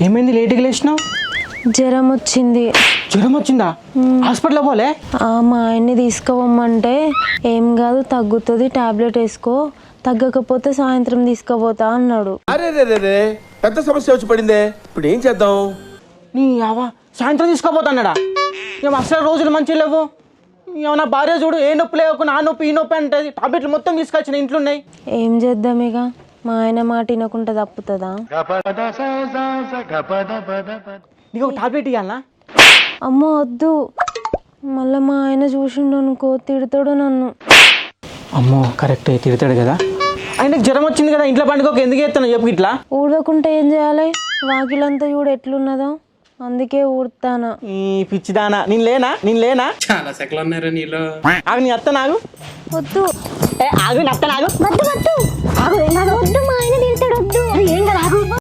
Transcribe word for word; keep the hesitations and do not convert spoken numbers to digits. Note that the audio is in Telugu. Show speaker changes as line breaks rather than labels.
ఏమైంది లేట్గా లేచినావు?
జ్వరం వచ్చింది.
జ్వరం వచ్చిందా? హాస్పిటల్ పోలే?
మా ఆయన్ని తీసుకుపోమంటే ఏం కాదు తగ్గుతుంది, టాబ్లెట్ వేసుకో, తగ్గకపోతే సాయంత్రం తీసుకుపోతా అన్నాడు.
అరే రే పెద్ద సమస్య వచ్చి పడిందే, ఇప్పుడు ఏం చేద్దాం?
నీ అవ్వ సాయంత్రం తీసుకోపోతాడా? ఏం అసలు రోజులు మంచి లేవు. ఏమన్నా భార్య చూడు, ఏ నొప్పి లేవు, నా నొప్పి ఈ నొప్పి అంటే టాబ్లెట్లు మొత్తం తీసుకొచ్చిన ఇంట్లో ఉన్నాయి.
ఏం చేద్దాం ఇక, మా ఆయన మాట వినకుండా తప్పుతుందా?
నీకు ఒక టాబ్లెట్ ఇవ్వాలనా?
అమ్మో వద్దు, మళ్ళీ మా ఆయన చూసిండు అనుకో తిడతాడు నన్ను.
అమ్మో కరెక్ట్, తిడతాడు కదా. ఆయనకు జ్వరం వచ్చింది కదా, ఇంట్లో పండుగ ఎందుకు ఎత్తాను చెప్పు. ఇట్లా
ఊడకుంటే ఏం చేయాలి? వాకిలంతా చూడు ఎట్లున్నదో, అందుకే ఊడతానా.
ఈ పిచ్చిదానా, నేను లేనా నేను లేనా
చాలా సెకలు ఉన్నారా నీలో?
ఆగు, నీ అత్త నాగు.
వద్దు
ఏ ఆగు, నీ అత్త నాగు.
వద్దు వద్దు ఆగు, ఏం కాదు, వద్దు మా ఆయన తిడతాడు, వద్దు ఏం కాదు.